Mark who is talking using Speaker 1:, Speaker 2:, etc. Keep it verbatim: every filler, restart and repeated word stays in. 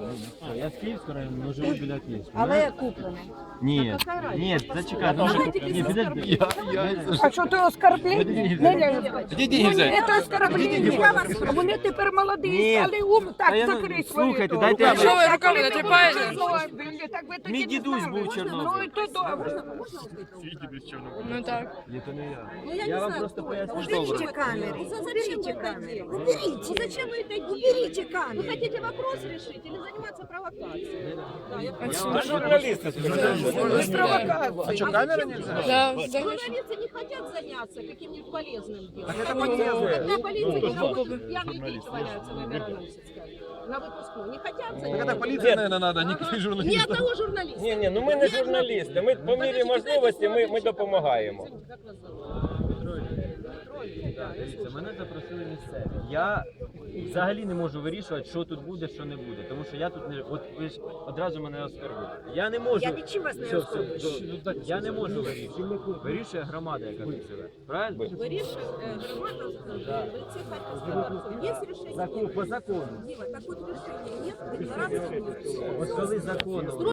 Speaker 1: Я з Київського району, але живу біля Київського.
Speaker 2: Але куплено.
Speaker 1: Ні, ні, зачекай, ну, ні, підожди.
Speaker 2: А що ти оскорблення? Неля,
Speaker 3: Где деньги взять?
Speaker 2: це оскорблення. Вони тепер молоді,
Speaker 1: Ні.
Speaker 2: стали ум,
Speaker 1: Та
Speaker 2: так
Speaker 1: я не-
Speaker 2: закрий свою.
Speaker 1: слухайте,
Speaker 2: дорогу.
Speaker 1: дайте я-
Speaker 2: Так,
Speaker 1: Що
Speaker 4: ви руками
Speaker 2: коли
Speaker 4: натріпаєте?
Speaker 2: ви були в Чорнобилі, так ви тоді
Speaker 1: Мій
Speaker 2: не
Speaker 1: дідусь
Speaker 2: знали.
Speaker 1: був в Чорнобилі.
Speaker 2: Ну і то добре.
Speaker 4: Ну так.
Speaker 1: Ні, то не я.
Speaker 5: Ну, я,
Speaker 1: Я
Speaker 5: не
Speaker 1: вам
Speaker 5: знаю,
Speaker 1: просто
Speaker 5: кто
Speaker 1: поясню.
Speaker 5: это.
Speaker 1: Добре.
Speaker 5: Уберите камеры. Уберите камеры. Уберите. Ну, зачем вы это делаете? Уберите камеры. Вы хотите вопрос решить или заниматься провокацией? Да, я понимаю.
Speaker 3: Журналисты
Speaker 2: Без провокації.
Speaker 3: А что, камера нельзя?
Speaker 4: Да, взагалі.
Speaker 5: Журналисты не хотят заняться каким-нибудь полезным делом.
Speaker 3: Это полезно.
Speaker 5: Когда полиция не работает, пьяные дети валяются в Мироносецкой. На выпускном. Не хотят заняться.
Speaker 3: Это полиция, наверное, надо, а не
Speaker 5: Ни
Speaker 3: журналисты.
Speaker 5: одного журналиста.
Speaker 6: Ні, ні, ну ми не журналісти. Ми по мірі можливості ми, ми допомагаємо.
Speaker 5: Как вас зовут?
Speaker 1: Так, дивіться, мене запросили місцеві. Я взагалі не можу вирішувати, що тут буде, що не буде. Тому що я тут не. От ви ж одразу мене оскорбуєте. Я не можу.
Speaker 5: Я нічим вас не
Speaker 1: Все, все,
Speaker 5: оскорблюю.
Speaker 1: до- Я не можу вирішувати. Вирішує громада, яка тут живе. Правильно?
Speaker 5: Вирішує е, громада, ви це Харківський парк. Є рішення?
Speaker 1: Закон, по закону.
Speaker 5: Діва, так от рішення є, декларації нет.
Speaker 1: От коли законом